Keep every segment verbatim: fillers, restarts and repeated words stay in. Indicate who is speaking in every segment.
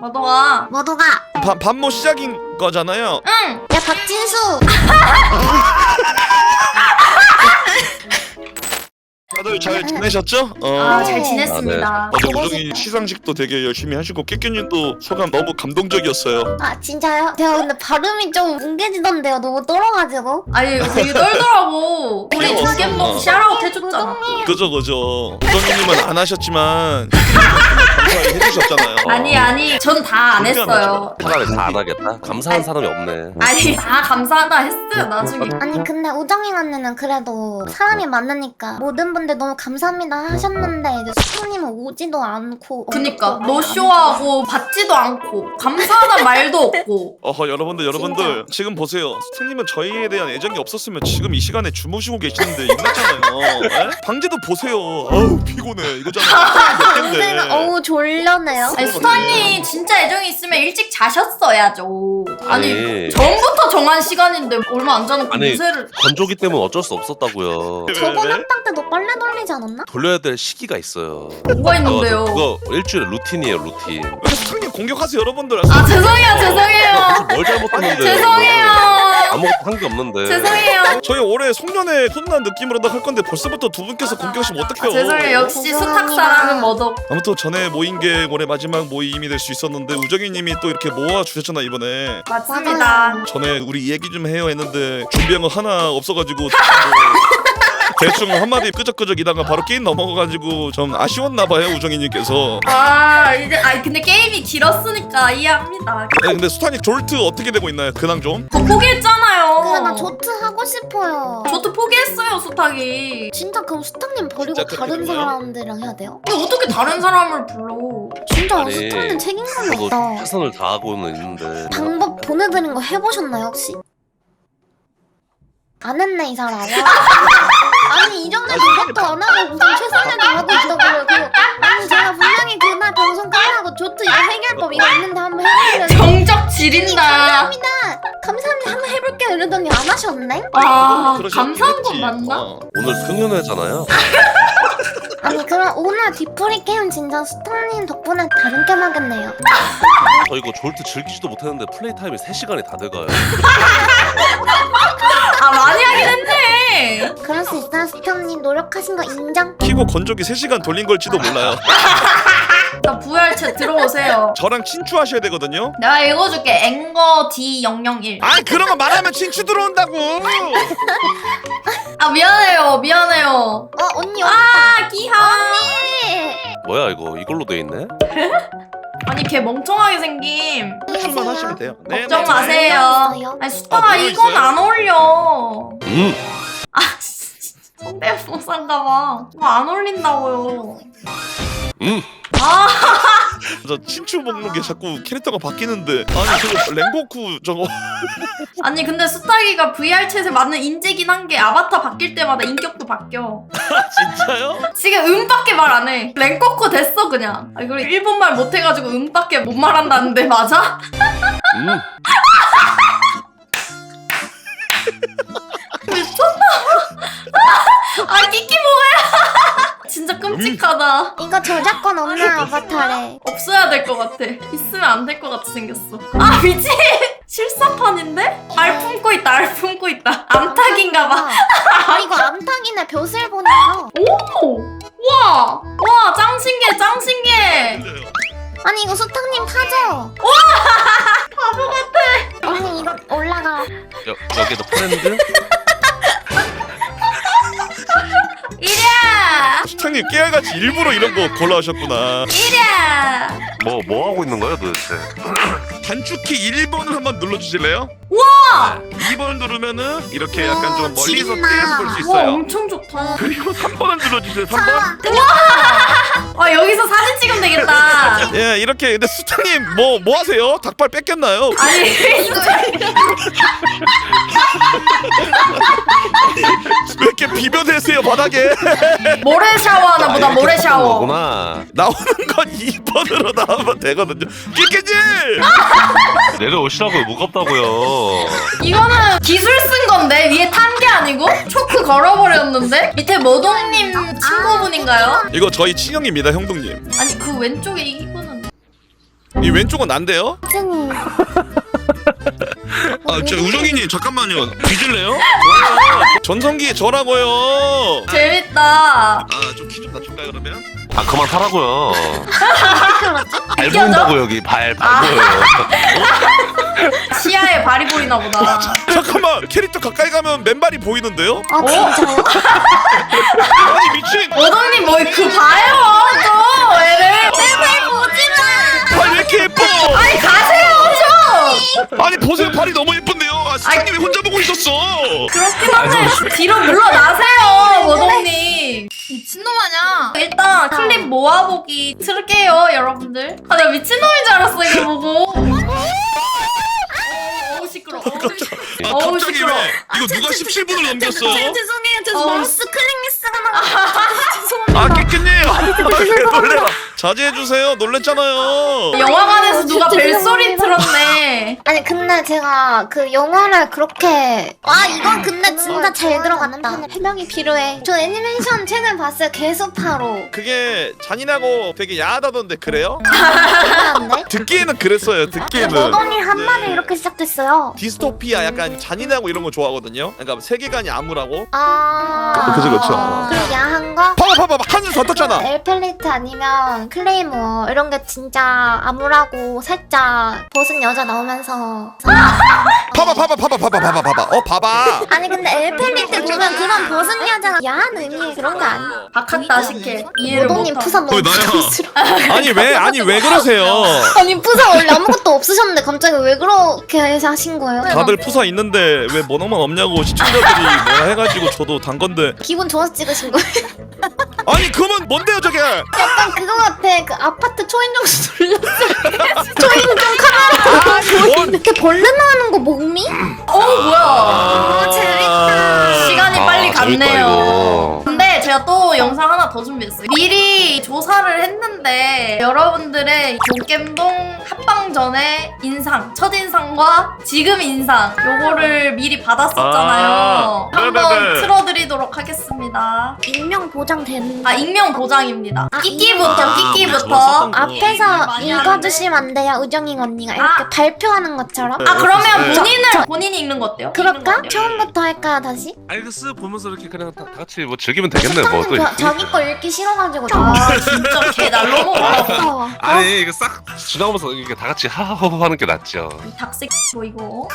Speaker 1: 너도가.
Speaker 2: 모두가.
Speaker 3: 밥 반모 시작인 거잖아요.
Speaker 1: 응.
Speaker 2: 야 박진수.
Speaker 3: 다들 잘 지내셨죠? 어.
Speaker 1: 아, 잘
Speaker 2: 네.
Speaker 1: 지냈습니다.
Speaker 3: 어제 우정이 시상식도 되게 열심히 하시고 깨끼님도 소감 너무 감동적이었어요.
Speaker 2: 아 진짜요? 제가 근데 발음이 좀 뭉개지던데요. 너무 떨어가지고.
Speaker 1: 아니 되게 떨더라고. 우리
Speaker 3: 귀여웠어.
Speaker 1: 두개목 샤라웃 해줬잖아.
Speaker 3: 그죠 그죠. 우정이님은 안 하셨지만 감사히 해주셨잖아요.
Speaker 1: 아니 아니 전 다 안 했어요.
Speaker 4: 사람이 다 안 하겠다? 감사한 사람이 없네.
Speaker 1: 아니 다 감사하다 했어요 나중에.
Speaker 2: 아니 근데 우정이 언니는 그래도 사람이 많으니까 모든 분들 너무 감사합니다 하셨는데 이제 수프님은 오지도 않고.
Speaker 1: 그니까
Speaker 2: 언급도
Speaker 1: 노쇼하고 받지도 않고 감사하단 말도 없고.
Speaker 3: 어허 여러분들 여러분들 지금 보세요. 스님은 저희에 대한 애정이 없었으면 지금 이 시간에 주무시고 계시는데 있났잖아요. 에? 방제도 보세요. 아우 피곤해 이거잖아요. 몇
Speaker 2: 근데
Speaker 3: 갠데.
Speaker 2: 어우 졸려네요.
Speaker 1: 아니 수타님 진짜 애정이 있으면 일찍 자셨어야죠. 아니,
Speaker 4: 아니.
Speaker 1: 전부터 정한 시간인데 얼마 안 자는
Speaker 4: 아니.
Speaker 1: 무쇠를.
Speaker 4: 건조기 때문에 어쩔 수 없었다고요.
Speaker 3: 왜,
Speaker 2: 저번
Speaker 3: 왜?
Speaker 2: 학당 때도 빨래 돌리지 않았나?
Speaker 4: 돌려야 될 시기가 있어요.
Speaker 1: 뭐가 있는데요?
Speaker 4: 그거, 그거 일주일에 루틴이에요, 루틴.
Speaker 3: 스님 공격하세요 여러분들.
Speaker 1: 아 죄송해요 죄송해요
Speaker 4: 뭘 잘못했는데?
Speaker 1: 죄송해요
Speaker 4: 아무것도 한 게 없는데.
Speaker 1: 죄송해요.
Speaker 3: 저희 올해 송년회 혼난 느낌으로도 할 건데 벌써부터 두 분께서 공격하시면
Speaker 1: 아,
Speaker 3: 어떡해요.
Speaker 1: 죄송해요. 역시
Speaker 2: 죄송합니다.
Speaker 1: 수탁사랑은 뭐덕.
Speaker 3: 아무튼 전에 모인 게 올해 마지막 모임이 될 수 있었는데 우정이님이 또 이렇게 모아주셨잖아 이번에.
Speaker 1: 맞습니다.
Speaker 3: 전에 우리 얘기 좀 해요 했는데 준비한 거 하나 없어가지고 뭐 대충 한마디 끄적끄적 이다가 바로 게임 넘어가가지고 좀 아쉬웠나봐요 우정이님께서.
Speaker 1: 아 이제 아 근데 게임이 길었으니까 이해합니다.
Speaker 3: 네, 근데 수타닉 졸트 어떻게 되고 있나요? 근황 좀?
Speaker 1: 저 포기했잖아요.
Speaker 2: 그래 나 조트 하고 싶어요.
Speaker 1: 저도 포기했어요 수탁이.
Speaker 2: 진짜 그럼 수탁님 버리고
Speaker 3: 진짜 그렇게
Speaker 2: 다른
Speaker 3: 된 거예요?
Speaker 2: 사람들이랑 해야 돼요?
Speaker 1: 근데 어떻게 다른 사람을 불러?
Speaker 2: 진짜
Speaker 4: 아니,
Speaker 2: 수탁님 책임감이
Speaker 4: 저도
Speaker 2: 없다.
Speaker 4: 최선을 다하고는 있는데.
Speaker 2: 방법 보내드린 거 해보셨나요 혹시? 안 했네 이 사람. 아니 이 정도 노력도 안 하고 무슨 최선을 다하고 있다고요. 그리고 아니 제가 분명히 그날 방송 끝나고 조트 이거 해결법 이거 있는데 한번 해보려고.
Speaker 1: 정적 지린다.
Speaker 2: 감사합니다. 감사합니다. 한번 해볼게요 이러더니 안 하셨네?
Speaker 1: 아
Speaker 3: 그러셨긴
Speaker 1: 감사한 건
Speaker 3: 했지.
Speaker 1: 맞나?
Speaker 3: 어.
Speaker 4: 오늘 승연회잖아요.
Speaker 2: 아니 그럼 오늘 뒤풀이 게임 진짜 수탁님 덕분에 다른 게임 하겠네요.
Speaker 4: 저 이거 졸트 즐기지도 못했는데 플레이 타임이 세 시간이 다 돼가요.
Speaker 1: 아 많이 하긴 했네.
Speaker 2: 그럴 수 있어요 수탁님 노력하신 거 인정?
Speaker 3: 키고 건조기 세 시간 돌린 걸지도 몰라요.
Speaker 1: 자 부활채 들어오세요.
Speaker 3: 저랑 친추하셔야 되거든요.
Speaker 1: 내가 읽어줄게. 앵거 디 영영일.
Speaker 3: 아 그런 거 말하면 친추 들어온다고.
Speaker 1: 아 미안해요 미안해요.
Speaker 2: 어 언니
Speaker 1: 아 기하.
Speaker 2: 언니.
Speaker 4: 뭐야 이거 이걸로 돼 있네?
Speaker 1: 아니 걔 멍청하게 생김.
Speaker 3: 출만 하시면 돼요. 네,
Speaker 1: 걱정
Speaker 3: 네.
Speaker 1: 마세요.
Speaker 2: 있어요?
Speaker 1: 아니 수타가
Speaker 3: 아,
Speaker 1: 이건
Speaker 3: 있어요?
Speaker 1: 안 어울려.
Speaker 4: 음.
Speaker 1: 아 성대모사인가봐. 이거 안 어울린다고요.
Speaker 4: 음.
Speaker 1: 아
Speaker 3: 저 친추 먹는 게 자꾸 캐릭터가 바뀌는데 아니 저거 랭고쿠 저거
Speaker 1: 아니 근데 수타기가 브이알챗에 맞는 인재긴 한 게 아바타 바뀔 때마다 인격도 바뀌어.
Speaker 3: 진짜요?
Speaker 1: 지금 음밖에 말 안 해. 랭코코 됐어 그냥. 아, 그리고 일본말 못해가지고 음밖에 못 말한다는데 맞아?
Speaker 4: 음.
Speaker 1: 미쳤나? 아 끼끼 뭐야? 진짜 끔찍하다.
Speaker 2: 이거 저작권 없는 아바타래.
Speaker 1: 없어야 될 것 같아. 있으면 안 될 것 같이 생겼어. 아 미친! 실사판인데? 알 품고 있다 알 품고 있다. 암탉인가봐.
Speaker 2: 아 이거 암탉이네 벼슬 보니까.
Speaker 1: 오! 와! 와 짱 신기해 짱 신기해.
Speaker 2: 아니 이거 수탁님 타죠?
Speaker 1: 바보 같아.
Speaker 2: 언니 이거 올라가.
Speaker 4: 여, 여기도 프렌드?
Speaker 1: 이랴!
Speaker 3: 수탁님 깨알같이 일부러 이런 거 골라오셨구나.
Speaker 1: 이랴!
Speaker 4: 뭐, 뭐 하고 있는 거야 도대체?
Speaker 3: 단축키 일 번을 한번 눌러주실래요?
Speaker 1: 와!
Speaker 3: 이 번 누르면은 이렇게 약간 좀 멀리서
Speaker 2: 진짜.
Speaker 3: 피해서 볼 수
Speaker 1: 와
Speaker 3: 있어요.
Speaker 1: 엄청 좋다.
Speaker 3: 그리고 삼 번을 눌러주세요. 삼 번.
Speaker 1: 와 여기서 사진 찍으면 되겠다.
Speaker 3: 예, 이렇게 근데 수탁님 뭐 뭐 하세요? 닭발 뺏겼나요?
Speaker 1: 아니
Speaker 3: 왜 이렇게 비벼대세요 바닥에?
Speaker 1: 모래 샤워하나 보다 모래 샤워.
Speaker 4: 구나.
Speaker 3: 나오는 건 이 번으로 나오면 되거든요. 끼끼지!
Speaker 4: 내려오시라고요. 무겁다고요.
Speaker 1: 이거는 기술 쓴 건데 위에 탄 게 아니고 초크 걸어버렸는데 밑에 모동님 친구분인가요?
Speaker 3: 이거 저희 친형입니다, 형동님.
Speaker 1: 아니 그 왼쪽에 이거는
Speaker 3: 이 왼쪽은 난데요?
Speaker 2: 찐이.
Speaker 3: 아, 저 우정이님 잠깐만요. 뒤질래요? 전성기에 저라고요.
Speaker 1: 재밌다.
Speaker 3: 아, 좀 키 좀 낮출까요 그러면?
Speaker 4: 아 그만 타라고요. 발
Speaker 1: 웃겨져?
Speaker 4: 보인다고 여기 발 발
Speaker 1: 아.
Speaker 4: 보여요.
Speaker 1: 시야에 발이 보이나 보다.
Speaker 3: 잠깐만, 캐릭터 가까이 가면 맨발이 보이는데요?
Speaker 2: 아 진짜요?
Speaker 3: 아니 미친!
Speaker 1: 모동님 뭐 그 봐요 좀 애를.
Speaker 2: 제발 보지 마.
Speaker 3: 발 왜 이렇게 예뻐?
Speaker 1: 아니 가세요 좀.
Speaker 3: 아니 보세요, 발이 너무 예쁜데요. 아, 스타님 왜 혼자 보고 있었어?
Speaker 1: 그렇긴 한데 뒤로 물러나세요 모동님. 미친놈 아냐. 일단 클립 모아보기 틀게요 여러분들. 아 나 미친놈인 줄 알았어 이거 보고. 어우 시끄러워.
Speaker 3: 아,
Speaker 1: 어우,
Speaker 3: 갑자기
Speaker 1: 시끄러워.
Speaker 3: 왜? 이거 누가 십칠 분을 넘겼어요?
Speaker 2: 죄송해요. 저
Speaker 1: 어.
Speaker 2: 마우스 클릭 미스가 나.
Speaker 3: 아, 깨끗님! 놀래라. 자제해주세요. 놀랬잖아요.
Speaker 1: 영화관에서 누가
Speaker 2: 죄송합니다.
Speaker 1: 벨소리 틀었네.
Speaker 2: 아니 근데 제가 그 영화를 그렇게 와 이건 근데 진짜 잘 들어갔다. 해명이 필요해. 저 애니메이션 최근 봤어요. 개수파로.
Speaker 3: 그게 잔인하고 되게 야하다던데 그래요?
Speaker 2: 괜찮은데?
Speaker 3: 듣기에는 그랬어요. 듣기에는.
Speaker 2: 모동이 한
Speaker 3: 네.
Speaker 2: 마디 이렇게 시작됐어요.
Speaker 3: 디스토피아 약간 잔인하고 이런 거 좋아하거든요. 그러니까 세계관이 암울하고.
Speaker 2: 아.
Speaker 3: 그치, 그쵸.
Speaker 2: 그리고 야한 거?
Speaker 3: 봐봐 봐봐 한줄 더 떴잖아.
Speaker 2: 엘펠리트 아니면 클레이모 이런 게 진짜 암울하고 살짝 벗은 여자 나오면서
Speaker 3: 봐봐 봐봐 봐봐 봐봐 봐봐 봐봐. 어 봐봐.
Speaker 2: 아니 근데 엘펠리트 보면 그런 벗은 여자가 야한 의미의 그런 거 아니야.
Speaker 1: 박학다식해. 이해를
Speaker 2: 모동님
Speaker 1: 못하.
Speaker 2: 푸사 너무
Speaker 3: 어, 나야.
Speaker 2: 부담스러워.
Speaker 3: 아니 왜 아니 왜 그러세요?
Speaker 2: 아니 푸사 원래 아무것도 없으셨는데 갑자기 왜 그렇게 해서 하신 거예요?
Speaker 3: 다들 푸사 있는데 왜 뭐너만 없냐고 시청자들이 뭐라 해가지고 저도 단 건데.
Speaker 2: 기분 좋아서 찍으신 거예요?
Speaker 3: 아니 그러면 뭔데요 저게?
Speaker 2: 약간 그거 같아. 그 아파트 초인종수 돌렸을 때 초인종 카메라
Speaker 3: 아, 뭔-
Speaker 2: 이렇게 벌레 나오는 거 목미?
Speaker 1: 어 뭐야.
Speaker 3: 아,
Speaker 2: 재밌다.
Speaker 1: 시간이 빨리
Speaker 4: 아, 재밌다,
Speaker 1: 갔네요.
Speaker 4: 이거.
Speaker 1: 근데 제가 또 영상 하나 더 준비했어요. 미리 조사를 했는데 여러분들의 용겜동 합방 전의 인상, 첫인상과 지금 인상 요거를 미리 받았었잖아요.
Speaker 3: 아,
Speaker 1: 한번
Speaker 3: 네네네.
Speaker 1: 틀어드리도록 하겠습니다.
Speaker 2: 익명 보장 되는
Speaker 1: 아 익명 보장입니다.
Speaker 2: 아,
Speaker 1: 끼끼부터
Speaker 3: 아,
Speaker 1: 끼끼부터.
Speaker 3: 좋았었던 거.
Speaker 2: 앞에서
Speaker 1: 많이
Speaker 2: 읽어주시면 안 돼요, 우정이 언니가 이렇게
Speaker 1: 아.
Speaker 2: 발표하는 것처럼.
Speaker 1: 아 그러면
Speaker 3: 네.
Speaker 1: 본인을 본인이 읽는 거 어때요? 읽는 거
Speaker 2: 그럴까?
Speaker 1: 어때요?
Speaker 2: 처음부터 할까요, 다시?
Speaker 4: 알겠어 보면서 이렇게 그냥 다, 다 같이 뭐 즐기면 되겠네 뭐 또.
Speaker 2: 수상님 저- 자기 거 읽기 싫어가지고.
Speaker 1: 아 진짜 개 날로 먹어.
Speaker 2: 무서워.
Speaker 4: 아니 이거 싹 지나오면서 이렇게 다 같이 하하호호 하는 게 낫죠.
Speaker 1: 이 닭색 보이고.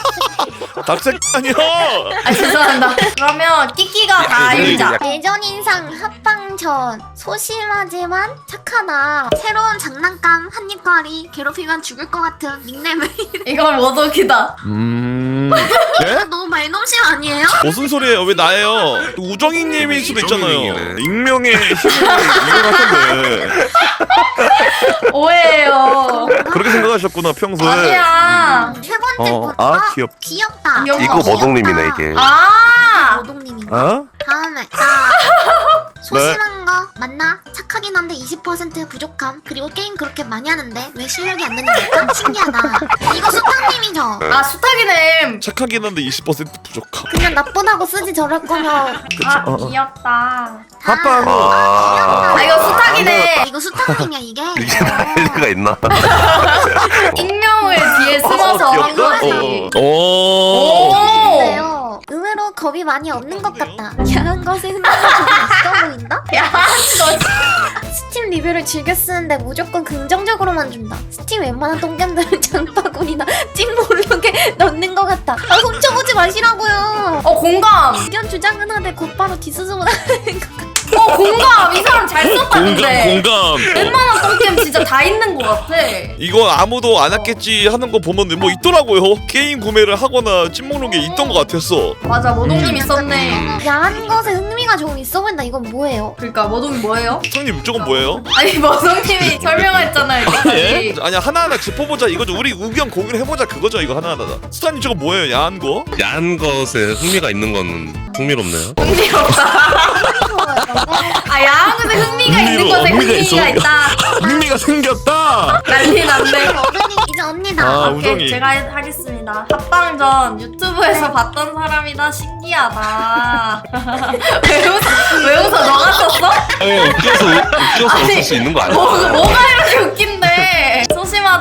Speaker 3: 닭색 아니요.
Speaker 1: 아 죄송합니다. 그러면 끼끼가 다
Speaker 4: 이거
Speaker 1: 읽자.
Speaker 4: 약간-
Speaker 2: 예전 인상 합방 전 소심하지만 착하다. 새로운 장난감 한입거리 괴롭히면 죽을 것 같은 닉네임을.
Speaker 1: 이건 모독이다.
Speaker 3: 음. 예?
Speaker 2: 너무 말넘심 아니에요?
Speaker 3: 무슨 소리예요? 왜 나예요? 우정이님일 수도 있잖아요.
Speaker 4: 우정이님이네.
Speaker 3: 익명의 힘을 이걸 하셨네.
Speaker 1: 오해예요.
Speaker 3: 그렇게 생각하셨구나 평소에.
Speaker 1: 아니야.
Speaker 2: 세 번째
Speaker 3: 어,
Speaker 2: 거.
Speaker 3: 아 귀엽.
Speaker 2: 귀엽다.
Speaker 1: 귀엽다.
Speaker 4: 이거 머동님이네 이게.
Speaker 1: 아.
Speaker 2: 모동님인가?
Speaker 3: 어?
Speaker 2: 다음에 나 소심한 거 맞나? 착하긴 한데 이십 퍼센트 부족함. 그리고 게임 그렇게 많이 하는데 왜 실력이 안 느는 걸까? 신기하다. 이거 수탁님이죠?
Speaker 1: 아 수탁이네.
Speaker 3: 착하긴 한데 이십 퍼센트 부족함.
Speaker 2: 그냥 나쁘다고 쓰지 저럴 거면.
Speaker 1: 아
Speaker 3: 어, 어.
Speaker 1: 귀엽다.
Speaker 3: 합방.
Speaker 4: 아,
Speaker 1: 아 이거 수탁이네.
Speaker 2: 이거 수탁님이야 이게?
Speaker 4: 이게 나이가 있나?
Speaker 1: 익명을 뒤에 숨어서
Speaker 3: 어,
Speaker 1: 한
Speaker 3: 귀엽다.
Speaker 1: 거지.
Speaker 3: 어. 오.
Speaker 1: 오.
Speaker 2: 근데요 의외로 겁이 많이 없는 것 같다. 야한 것에 흥미가 좀 있어 보인다?
Speaker 1: 야 너.
Speaker 2: 스팀 리뷰를 즐겨 쓰는데 무조건 긍정적으로만 준다. 스팀 웬만한 똥겜들은 장바구니나 찜 모르게 넣는 것 같다. 아, 훔쳐보지 마시라고요.
Speaker 1: 어 공감.
Speaker 2: 의견 주장은 하되 곧바로 디스소문 하는 것 같다.
Speaker 1: 어 공감. 이 사람 잘
Speaker 3: 공감
Speaker 1: 썼다는데.
Speaker 3: 공감.
Speaker 1: 웬만한 똥캠 진짜 다 있는 것 같아.
Speaker 3: 이거 아무도 안 했겠지 하는 거 보면 뭐 있더라고요. 게임 구매를 하거나 찜먹는 게 있던 것 같았어.
Speaker 1: 맞아 모동님 있었네.
Speaker 2: 야한 것에 흥미가 조금 있어 보인다. 이건 뭐예요?
Speaker 1: 그러니까 모동이 뭐예요?
Speaker 3: 형님 저건 뭐예요?
Speaker 1: 아니 모동님이 설명했잖아요
Speaker 3: 예?
Speaker 1: 이때까지.
Speaker 3: 아니야 하나하나 짚어보자 이거죠. 우리 의견 공유를 해보자 그거죠. 이거 하나하나. 스타님 저거 뭐예요? 야한 거?
Speaker 4: 야한 것에 흥미가 있는 건 흥미롭네요.
Speaker 1: 흥미없다. 아 야한 것에 흥미가 있는
Speaker 3: 흥미로-
Speaker 1: 것에
Speaker 3: 흥미가
Speaker 1: 흥미가
Speaker 3: 있어.
Speaker 1: 있다.
Speaker 3: 흥미가 생겼다.
Speaker 1: 난리 났네.
Speaker 2: 어른이 이제 언니다.
Speaker 3: 아,
Speaker 1: 오케이
Speaker 3: 우정이.
Speaker 1: 제가 해- 하겠습니다. 합방 전 유튜브에서 봤던 사람이다. 신기하다. 왜 웃어? 왜 웃어? 너가 썼어?
Speaker 4: 어, 웃겨서 웃겨서
Speaker 1: 아니,
Speaker 4: 웃을 수 있는 거 아니야?
Speaker 1: 뭐, 뭐가 이렇게 웃긴데? 소심한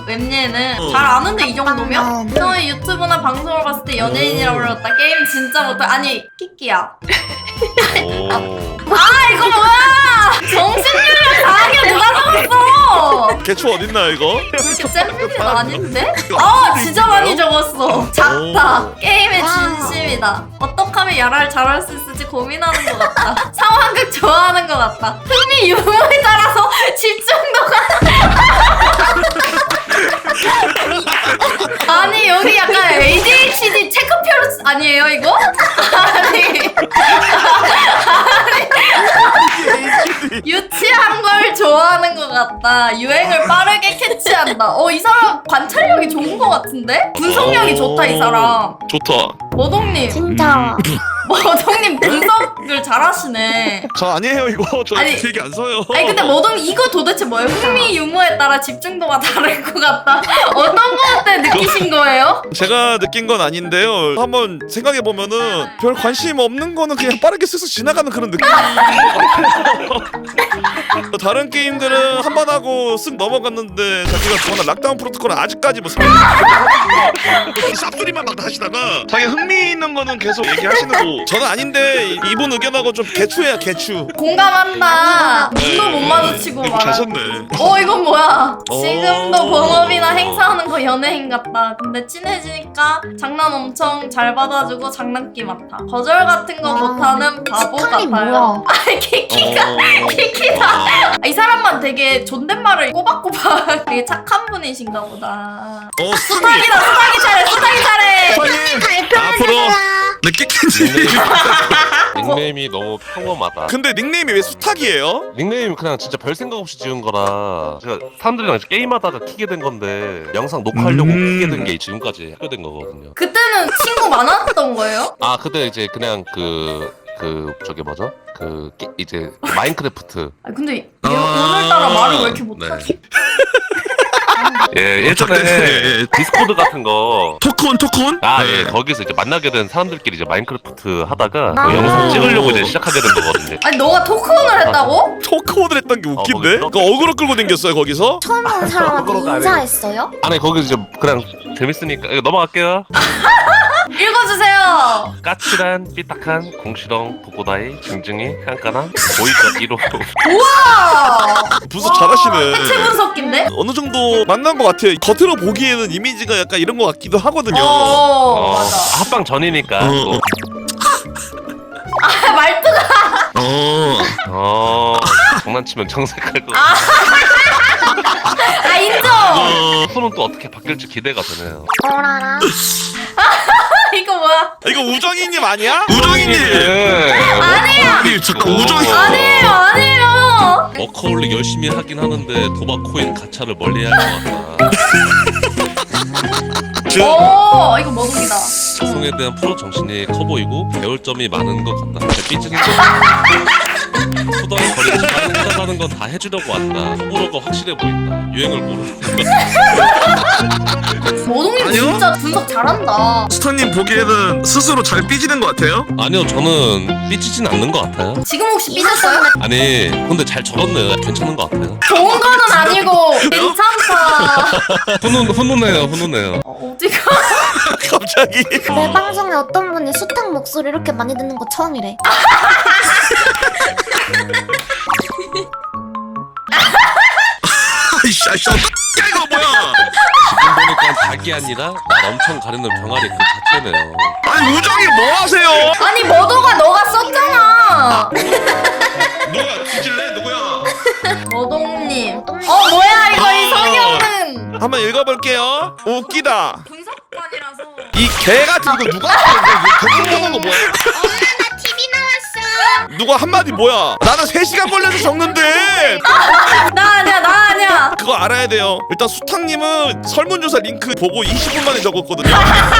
Speaker 1: 웹예는
Speaker 3: 어.
Speaker 1: 잘 아는데 이 정도면?
Speaker 2: 음.
Speaker 1: 너의 유튜브나 방송을 봤을 때 연예인이라고 불렀다. 게임 진짜 못해. 아니 키키야.
Speaker 4: 오.
Speaker 1: 아 이거 뭐야? 정신력을 강하게 누가 적었어?
Speaker 3: 개추 어딨나요 이거?
Speaker 1: 그렇게 잼민이는 아닌데? 아 진짜 많이 적었어. 작다.
Speaker 3: 오.
Speaker 1: 게임의 진심이다. 어떻게 하면 야라를 잘할 수 있을지 고민하는 것 같다. 상황극 좋아하는 것 같다. 흥미 유무에 따라서 집중도가 아니 여기 약간 에이디에이치디 체크표로 쓰- 아니에요 이거? 아니 유치한 걸 좋아하는 것 같다. 유행을 빠르게 캐치한다. 어, 이 사람 관찰력이 좋은 것 같은데? 분석력이 좋다, 이 사람.
Speaker 3: 좋다.
Speaker 1: 머동님,
Speaker 2: 진짜.
Speaker 1: 머동님 분석을 잘하시네.
Speaker 3: 저 아니에요 이거. 저
Speaker 1: 아니,
Speaker 3: 되게 안 서요.
Speaker 1: 아니, 근데 머동님 이거 도대체 뭐예요? 흥미 유무에 따라 집중도가 다를 것 같다. 어떤 거 때 느끼신 거예요?
Speaker 3: 제가 느낀 건 아닌데요. 한번 생각해 보면은 별 관심 없는 거는 그냥 빠르게 쓱쓱 지나가는 그런 느낌. 다른 게임들은 한 번 하고 쓱 넘어갔는데 자기가 좋아하는 락다운 프로토콜은 아직까지 뭐 쌉소리만 막 하시다가 자기 흥미 있는 거는 계속 얘기하시는 거. 저는 아닌데 이분 의견하고 좀 개추해야 개추.
Speaker 1: 공감한다. 눈도 못 마주치고 말하
Speaker 3: 가셨네.
Speaker 1: 어 이건 뭐야?
Speaker 3: 오.
Speaker 1: 지금도 본업이나 행사하는 거 연예인 같다. 근데 친해지니까 장난 엄청 잘 받아주고 장난기 많다. 거절 같은 거
Speaker 2: 아,
Speaker 1: 못하는 바보
Speaker 2: 스타일이
Speaker 1: 같아요.
Speaker 2: 뭐야?
Speaker 1: 아 키키가
Speaker 3: 어.
Speaker 1: 키키다. 아, 이 사람만 되게 존댓말을 꼬박꼬박 되게 착한 분이신가 보다.
Speaker 3: 어,
Speaker 1: 수탁이다 수탁이 잘해 수탁이 잘해.
Speaker 3: 앞으로 네 깨끗이.
Speaker 4: 닉네임이 너무 평범하다.
Speaker 3: 근데 닉네임이 왜 수탉이에요?
Speaker 4: 닉네임 그냥 진짜 별 생각 없이 지은 거라 제가 사람들이랑 이제 게임하다가 키게 된 건데 영상 녹화하려고
Speaker 3: 음.
Speaker 4: 키게 된 게 지금까지 하게 된 거거든요.
Speaker 1: 그때는 친구 많았던 거예요?
Speaker 4: 아 그때 이제 그냥 그 그 저기 뭐죠? 그 게, 이제 마인크래프트
Speaker 1: 아 근데 얘
Speaker 3: 아.
Speaker 1: 오늘따라 말을 왜 이렇게 못하지?
Speaker 4: 예 예전에
Speaker 3: 네.
Speaker 4: 디스코드 같은 거
Speaker 3: 토크온 토크온?
Speaker 4: 아,
Speaker 3: 네.
Speaker 4: 예, 거기서 이제 만나게 된 사람들끼리 이제 마인크래프트 하다가
Speaker 2: 아.
Speaker 4: 그 영상 찍으려고 이제 시작하게 된 거거든요.
Speaker 1: 아니 너가 토크온을 했다고?
Speaker 3: 토크온을 했던 게 웃긴데?
Speaker 4: 어, 거기서?
Speaker 3: 그 어그로 끌고 댕겼어요 거기서?
Speaker 2: 처음 온 사람한테
Speaker 4: 그런 거 아니에요.
Speaker 2: 인사했어요?
Speaker 4: 아니 거기서 이제 그냥 재밌으니까 이거 넘어갈게요.
Speaker 1: 읽어주세요.
Speaker 4: 까칠한 삐딱한 공시렁 보고다이 징징이 깐깐한 보이적 일 호
Speaker 1: 우와.
Speaker 3: 분석 잘하시네.
Speaker 1: 해체 분석기인데?
Speaker 3: 어느 정도 만난 것 같아요. 겉으로 보기에는 이미지가 약간 이런 것 같기도 하거든요.
Speaker 1: 어,
Speaker 4: 어,
Speaker 1: 맞아.
Speaker 4: 합방 전이니까
Speaker 3: 어.
Speaker 4: 또.
Speaker 1: 아, 말투가.
Speaker 3: 어.
Speaker 4: 어 장난치면 정색할 거.
Speaker 1: 아, 인정.
Speaker 3: 어.
Speaker 4: 앞으로는 또 어떻게 바뀔지 기대가 되네요.
Speaker 2: 어라라.
Speaker 1: 이거 뭐야?
Speaker 3: 이거 우정이님 아니야? 우정이님.
Speaker 4: 예.
Speaker 1: 아니에요.
Speaker 3: 아니 잠깐 우정이.
Speaker 1: 아니에요, 아니에요.
Speaker 4: 워커홀릭 열심히 하긴 하는데 도박 코인 가차를 멀리해야 할 것 같다.
Speaker 3: 그,
Speaker 1: 오, 이거 머독이다.
Speaker 4: 방송에 대한 프로 정신이 커 보이고 배울 점이 많은 것 같다. 삐지는 거. 투덜거리지 하는 건 다 해주려고 왔다. 호불호가 확실해 보인다. 유행을 모르는 것.
Speaker 1: 머독님
Speaker 3: 아니요?
Speaker 1: 진짜 분석 잘한다.
Speaker 3: 스타님 보기에는 스스로 잘 삐지는 것 같아요?
Speaker 4: 아니요, 저는 삐지진 않는 것 같아요.
Speaker 1: 지금 혹시 삐졌어요?
Speaker 4: 아니, 근데 잘 적었네요. 괜찮은 것 같아요.
Speaker 1: 좋은 거는 아니고 괜찮다.
Speaker 4: 훈훈 훈훈해요, 훈훈해요.
Speaker 1: 어, 어디가?
Speaker 3: 갑자기.
Speaker 2: 내 방송에 어떤 분이 수탉 목소리 이렇게 많이 듣는 거 처음이래.
Speaker 3: 아이씨 아이씨 야 이거 뭐야?
Speaker 4: 지금 보니까 닭이 아니라 날 엄청 가리는 병아리 그 자체네요.
Speaker 3: 아니 우정이 뭐 하세요?
Speaker 1: 아니 머도가 너가 썼잖아.
Speaker 3: 누가 뒤질래? 누구야?
Speaker 1: 머동님. 어 뭐야 이거 이 성형은.
Speaker 3: 한번 읽어볼게요. 웃기다.
Speaker 1: 분석관이라서.
Speaker 3: 이 개 같은 거 누가 하는 거 뭐야?
Speaker 2: 나 티비 나왔어.
Speaker 3: 누가 한마디 뭐야? 나는 세 시간 걸려서 적는데
Speaker 1: 나 아니야 나 아니야.
Speaker 3: 그거 알아야 돼요. 일단 수탁님은 설문조사 링크 보고 이십 분 만에 적었거든요.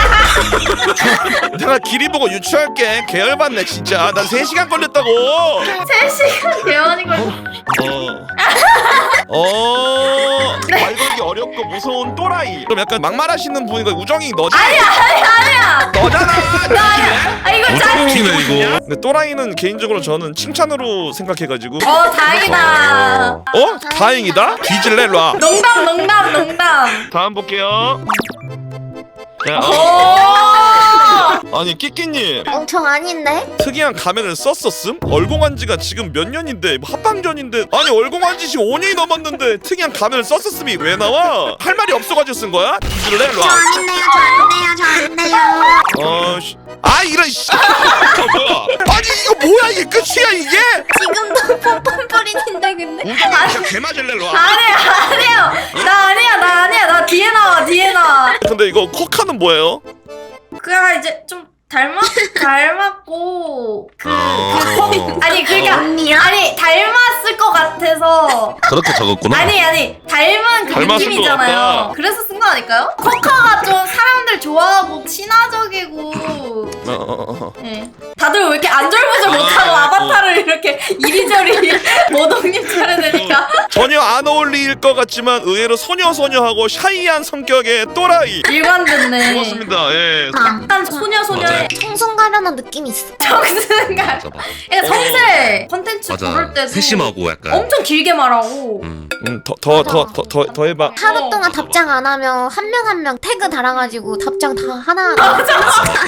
Speaker 3: 내가 길이 보고 유추할게. 개열받네 진짜. 난 세 시간 걸렸다고.
Speaker 1: 세 시간 개원이 걸려.
Speaker 3: 어. 어. 말 걸기 어렵고 무서운 또라이. 그럼 약간 막말하시는 분이니까 우정이 너잖아.
Speaker 1: 아니야 아니야 아니야.
Speaker 3: 너잖아.
Speaker 1: 아 이거 짠.
Speaker 4: 웃기네 이거.
Speaker 3: 근데 또라이는 개인적으로 저는 칭찬으로 생각해가지고.
Speaker 1: 어 다행이다.
Speaker 3: 어? 다행이다? 뒤질래 놔.
Speaker 1: 농담 농담 농담.
Speaker 3: 다음 볼게요. 자,
Speaker 1: 오.
Speaker 3: 어. 아니 끼끼님
Speaker 2: 엄청 아닌데?
Speaker 3: 특이한 가면을 썼었음? 얼공한 지가 지금 몇 년인데 뭐 합방전인데 아니 얼공한 지 지금 오 년이 넘었는데 특이한 가면을 썼었음이 왜 나와? 할 말이 없어가지고 쓴 거야? 뒤질래 놔.
Speaker 2: 아닌데요, 저 아닌데요, 저 아닌데요.
Speaker 3: 어, 씨. 아 이런 씨. 어, 뭐야? 아니 이거 뭐야 이게 끝이야 이게?
Speaker 2: 지금도 뻔뻔뻔인데 근데.
Speaker 3: 우정이 진짜 개 맞을래 놔.
Speaker 1: 아니야 아니야 나 아니야 나 아니야 나 뒤에 나와 뒤에 나와.
Speaker 3: 근데 이거 코카는 뭐예요?
Speaker 1: 그냥 이제 좀 닮았 닮았고 그, 그 아니 그러니까
Speaker 2: 언니야?
Speaker 1: 아니 닮았을 것 같아서
Speaker 4: 그렇게 적었구나.
Speaker 1: 아니 아니 닮은 그
Speaker 3: 닮았을 것
Speaker 1: 느낌이잖아요.
Speaker 3: 같다.
Speaker 1: 그래서 쓴 거 아닐까요? 코카가 좀 사람들 좋아하고 친화적이고
Speaker 3: 어, 어, 어.
Speaker 1: 예. 다들 왜 이렇게 안절부절 못하고
Speaker 3: 아,
Speaker 1: 아바타를 이렇게 이리저리 모독님 차례되니까
Speaker 3: 전혀 안 어울릴 것 같지만 의외로 소녀소녀하고 샤이한 성격의 또라이.
Speaker 1: 일관 듣네.
Speaker 3: 고맙습니다. 예.
Speaker 1: 약간 소녀 소녀의
Speaker 2: 청순 가련한 느낌이 있어.
Speaker 1: 정승감.
Speaker 4: 맞아 맞아.
Speaker 1: 그러니까 성세 컨텐츠
Speaker 4: 맞아.
Speaker 1: 부를 때도
Speaker 4: 세심하고 약간.
Speaker 1: 엄청 길게 말하고
Speaker 4: 음.
Speaker 3: 음, 더 더 더 더 더 더 해봐.
Speaker 2: 하루 동안 답장 안 하면 한 명 한 명 태그 달아가지고 답장 다 하나.
Speaker 4: 맞아.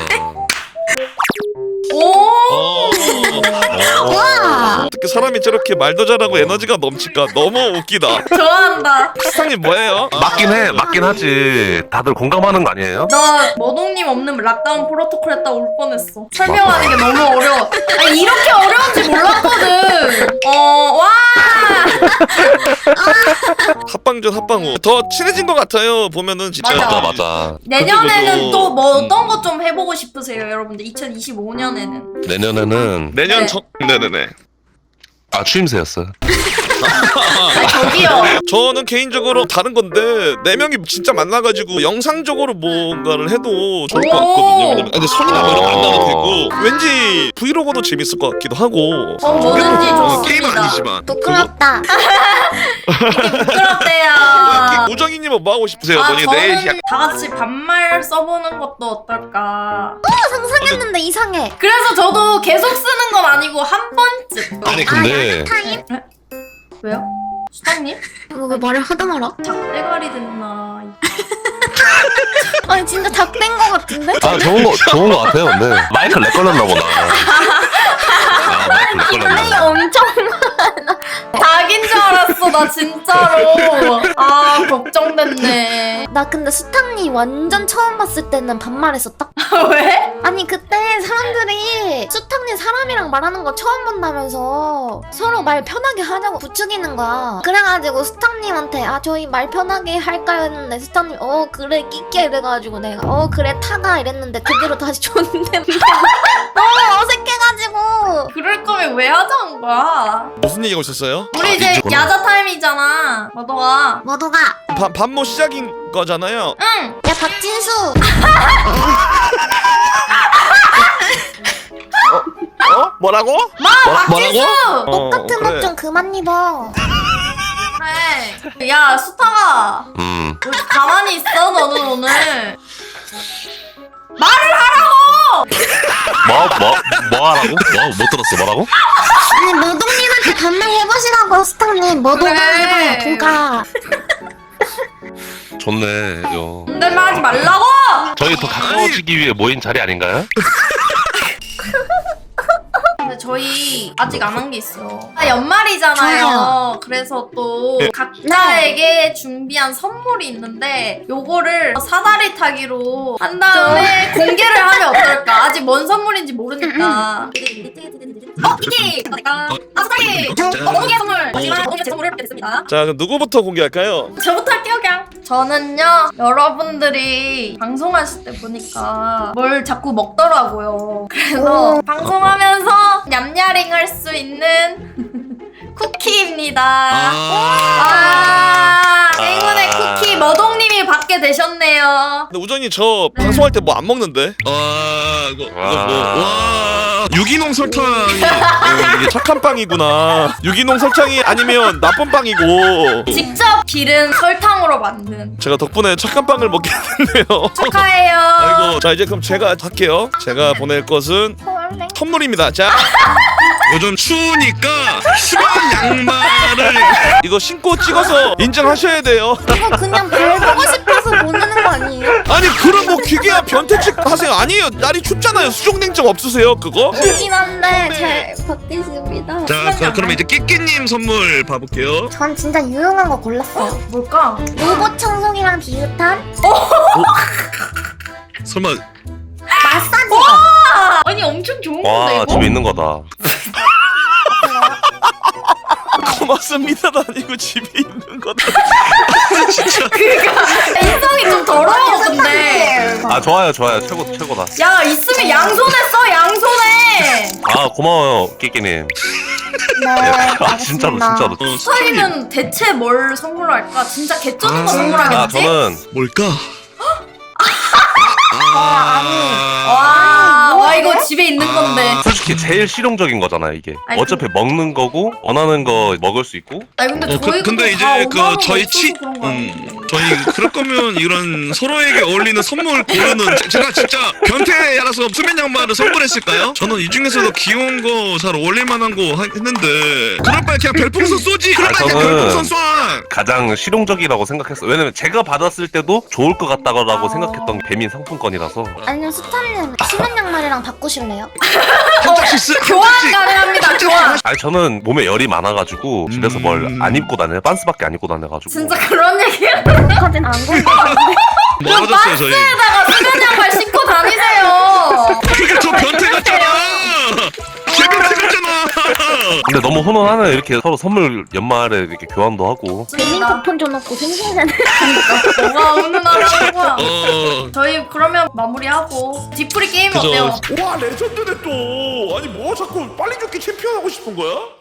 Speaker 1: 오.
Speaker 3: 어.
Speaker 2: 와!
Speaker 3: 어떻게 사람이 저렇게 말도 잘하고 에너지가 넘칠까? 너무 웃기다.
Speaker 1: 좋아한다.
Speaker 3: 시상님 뭐예요?
Speaker 4: 맞긴 해, 맞긴 하지. 다들 공감하는 거 아니에요?
Speaker 1: 나 머동님 없는 락다운 프로토콜 했다 울 뻔했어. 설명하는 게 너무 어려워. 아니 이렇게 어려운지 몰랐거든. 어, 와.
Speaker 3: 합방전 합방후 더 친해진 것 같아요. 보면은 진짜.
Speaker 1: 맞아.
Speaker 4: 맞아 맞아.
Speaker 1: 내년에는
Speaker 3: 그것도-
Speaker 1: 또 뭐
Speaker 3: 음.
Speaker 1: 어떤 거 좀 해보고 싶으세요, 여러분들? 이천이십오 년에는.
Speaker 4: 내년에는
Speaker 3: 내년
Speaker 1: 네.
Speaker 3: 전 네네네.
Speaker 4: 아 추임새였어요.
Speaker 1: 아니, 저기요.
Speaker 3: 저는 개인적으로 다른 건데 네 명이 진짜 만나가지고 영상적으로 뭔가를 해도 좋을 것 같거든요. 왜냐면 근데 손이나 뭐 이런 거 안 나도 되고 왠지 브이로그도 재밌을 것 같기도 하고.
Speaker 1: 어, 뭐든지
Speaker 3: 어, 게임은
Speaker 1: 좋습니다.
Speaker 3: 아니지만.
Speaker 2: 부끄럽다.
Speaker 1: 부끄럽대요.
Speaker 3: 그거- 우정이님은 뭐 하고 싶으세요?
Speaker 1: 아,
Speaker 3: 뭐니 내일 시작.
Speaker 1: 저는 다 같이 반말 써보는 것도 어떨까.
Speaker 2: 상상했는데 이상해.
Speaker 1: 그래서 저도 계속 쓰는 건 아니고 한 번쯤.
Speaker 4: 아니 근데
Speaker 2: 타임?
Speaker 1: 왜요? 수상님?
Speaker 2: 이거 왜 말을 하다 말아?
Speaker 1: 작대가리 됐나.
Speaker 2: 아니 진짜 닭된 거 같은데?
Speaker 4: 아 좋은 거 좋은 거 같아요. 근데 마이크 렉 걸렸나 보다. 아 마이크 렉
Speaker 2: 플레이
Speaker 4: 걸렸나.
Speaker 2: 엄청.
Speaker 1: 닭인 줄 알았어, 나 진짜로. 아, 걱정됐네.
Speaker 2: 나 근데 수탁니 완전 처음 봤을 때는 반말했었다.
Speaker 1: 왜?
Speaker 2: 아니 그때 사람들이 수탁니 사람이랑 말하는 거 처음 본다면서 서로 말 편하게 하냐고 부추기는 거야. 그래가지고 수탁님한테 아 저희 말 편하게 할까요 했는데 수탁님 어 그래 끼끼 이래가지고 내가 어 그래 타가 이랬는데 그대로 다시 줬는데 너무 어색해가지고
Speaker 1: 그럴 거면 왜 하자는 거야?
Speaker 3: 무슨 얘기가 있었어요?
Speaker 1: 우리 이제
Speaker 4: 이쪽으로.
Speaker 1: 야자 타임이잖아. 너도와.
Speaker 2: 모두가
Speaker 3: 반 반모 시작인 거잖아요.
Speaker 1: 응.
Speaker 2: 야 박진수
Speaker 3: 어? 뭐라고?
Speaker 1: 마, 박진수.
Speaker 3: 어,
Speaker 2: 똑같은
Speaker 3: 그래.
Speaker 2: 옷 좀 그만 입어.
Speaker 1: 그래. 야, 수타가.
Speaker 4: 음.
Speaker 1: 너 가만히 있어, 너는 오늘. 말을 하라고!
Speaker 4: 뭐뭐 뭐 하라고? 뭐못 들었어 뭐라고?
Speaker 2: 아니 모동님한테 반말 해보시라고 수탁님 모동가
Speaker 1: 그래.
Speaker 2: 해봐요 동가.
Speaker 4: 좋네 이거.
Speaker 1: 존댓말 하지 말라고!
Speaker 4: 저희 더 가까워지기 위해 모인 자리 아닌가요?
Speaker 1: 근데 저희 아직 안 한 게 있어요. 아, 연말이잖아요. 그래서 또
Speaker 3: 네.
Speaker 1: 각자에게 준비한 선물이 있는데 요거를 사다리 타기로 한 다음에 공개를 하면 어떨까? 아직 뭔 선물인지 모르니까. 어, 이게 아, 사다리. 어, 모기의 선물. 마지막 모기의 제 선물을 받게 됐습니다.
Speaker 3: 자 그럼 누구부터 공개할까요?
Speaker 1: 저부터 할게요, 그냥. 저는요, 여러분들이 방송하실 때 보니까 뭘 자꾸 먹더라고요. 그래서
Speaker 2: 오.
Speaker 1: 방송하면서 냠냐링 할 수 있는 쿠키입니다. 아, 행운의 쿠키 머동님이 받게 받게 되셨네요.
Speaker 3: 근데 우정이 저
Speaker 1: 네.
Speaker 3: 방송할 때 뭐 안 먹는데? 아 이거 이거 뭐와 유기농 설탕이 어, 이게 착한 빵이구나. 유기농 설탕이 아니면 나쁜 빵이고.
Speaker 1: 직접 기른 설탕으로 만든.
Speaker 3: 제가 덕분에 착한 빵을 먹게 됐네요.
Speaker 1: 축하해요.
Speaker 3: 아이고 자 이제 그럼 제가 할게요. 제가 보낼 것은
Speaker 2: 원래
Speaker 3: 선물입니다. 자 요즘 추우니까 수건 양말을 이거 신고 찍어서 인증하셔야 돼요.
Speaker 2: 이거 그냥 별 보고 싶어서 보내는 거 아니에요?
Speaker 3: 아니 그럼 뭐 기계야 변태측 하세요. 아니에요 날이 춥잖아요. 수족냉증 없으세요 그거?
Speaker 2: 있긴 한데 잘 받겠습니다.
Speaker 3: 자 그, 그럼 이제 끼끼님 선물 봐볼게요.
Speaker 2: 전 진짜 유용한 거 골랐어요.
Speaker 1: 뭘까?
Speaker 2: 로봇 청소기랑 비슷한
Speaker 3: 설마
Speaker 2: 마사지기.
Speaker 1: 아, 아니 엄청 좋은 건데
Speaker 4: 와
Speaker 1: 이거?
Speaker 4: 집에 있는 거다.
Speaker 3: 고맙습니다도 아니고 집에 있는 거다. 진짜
Speaker 1: 인성이 좀 더러워 근데.
Speaker 4: 아 좋아요 좋아요 최고 최고다.
Speaker 1: 야 있으면 양손에 써 양손에.
Speaker 4: 아 고마워요 끼끼님.
Speaker 2: 네,
Speaker 4: 아 진짜로
Speaker 2: 알겠습니다.
Speaker 4: 진짜로.
Speaker 3: 어,
Speaker 1: 스타일은 대체 뭘 선물할까? 진짜 개쩌는 거
Speaker 3: 아,
Speaker 4: 아
Speaker 1: 선물하겠지?
Speaker 4: 저는
Speaker 3: 뭘까?
Speaker 1: 와, 와 이거 집에 있는 건데.
Speaker 4: 솔직히 제일 실용적인 거잖아요 이게.
Speaker 1: 아니,
Speaker 4: 어차피 먹는 거고 원하는 거 먹을 수 있고.
Speaker 1: 아니 근데
Speaker 3: 어, 그,
Speaker 1: 저희
Speaker 3: 근데 이제 그 저희 치 음, 저희 그럴 거면 이런 서로에게 어울리는 선물 고르는 제- 제가 진짜 변태라서 수면 양말을 선물했을까요? 저는 이 중에서도 귀여운 거 잘 어울릴 만한 거 하- 했는데 그럴 바에 그냥 별풍선 쏘지. 그럴
Speaker 4: 아,
Speaker 3: 바에 그냥
Speaker 4: 저는-
Speaker 3: 별풍선 쏴.
Speaker 4: 가장 실용적이라고 생각했어. 왜냐면 제가 받았을 때도 좋을 것 같다고
Speaker 1: 아.
Speaker 4: 생각했던 게 배민 상품권이라서.
Speaker 2: 아니면 스타님 수면 양말이랑 바꾸실래요?
Speaker 3: 한 장씩 쓰. 한
Speaker 1: 교환
Speaker 3: 장씩.
Speaker 1: 가능합니다 교환.
Speaker 4: 아니 저는 몸에 열이 많아가지고 집에서
Speaker 3: 음.
Speaker 4: 뭘 안 입고 다녀요. 반스밖에 안 입고 다녀가지고.
Speaker 1: 진짜 그런 얘기야?
Speaker 2: 그렇게까지는 안 궁금한데.
Speaker 3: 멀어졌어요 저희.
Speaker 1: 에다가 수면 양말 신고 다니세요.
Speaker 3: 그러니까 저 변태 같잖아. 제 변태 같잖아.
Speaker 4: 근데 너무 훈훈하네. 이렇게 서로 선물 연말에 이렇게 교환도 하고.
Speaker 2: 배민 쿠폰 줘놓고 생생하네.
Speaker 1: 뭐가 훈훈하다는 거야.
Speaker 3: 어.
Speaker 1: 저희 그러면 마무리하고 디프리 게임
Speaker 3: 그죠.
Speaker 1: 어때요?
Speaker 3: 와 레전드네 또. 아니 뭐 자꾸 빨리 죽기 챔피언 하고 싶은 거야?